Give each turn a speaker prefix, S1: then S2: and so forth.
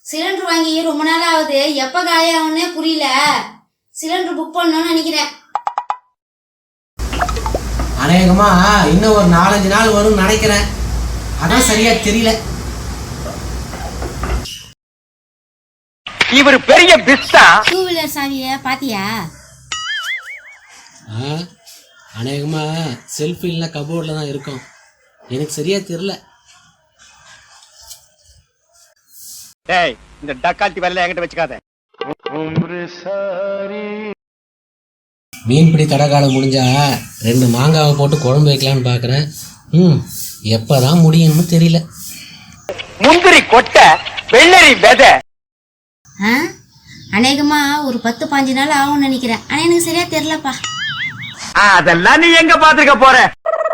S1: Cylinder வாங்கி ரொம்ப நாள் ஆகுது, எப்ப காலியாகும்னே புரியல. சிலிண்டர் புக் பண்ணணும்னு நினைக்கிறேன்.
S2: அநேகமா இன்னும் ஒரு 4-5 நாள் வரும்னு நினைக்கிறேன். அதான் சரியா தெரியல.
S3: இவர் பெரிய பிஸ்தா.
S1: 2 வீலர் சாவிய பாத்தியா?
S2: அநேகமா செல்ஃபி இல்லைன்னா கபோர்ட்ல தான் இருக்கும். எனக்கு சரியா தெரியல.
S3: டேய், இந்த டக்கால்ட்டி வேலையில என்கிட்ட வச்சுக்காத.
S2: மீன்பிடி தடகாலம் முடிஞ்சா 2 மாங்காவை போட்டு குழம்பு வைக்கலான்னு பாக்குறேன். எப்பதான் முடியும்னு தெரியல.
S3: முந்திரி கொட்டை, வெள்ளரி விதை.
S1: அநேகமா ஒரு 10-15 நாள் ஆகும்னு நினைக்கிறேன். ஆனா எனக்கு சரியா தெரியலப்பா.
S3: அதெல்லாம் நீ எங்க பாத்துக்க போற?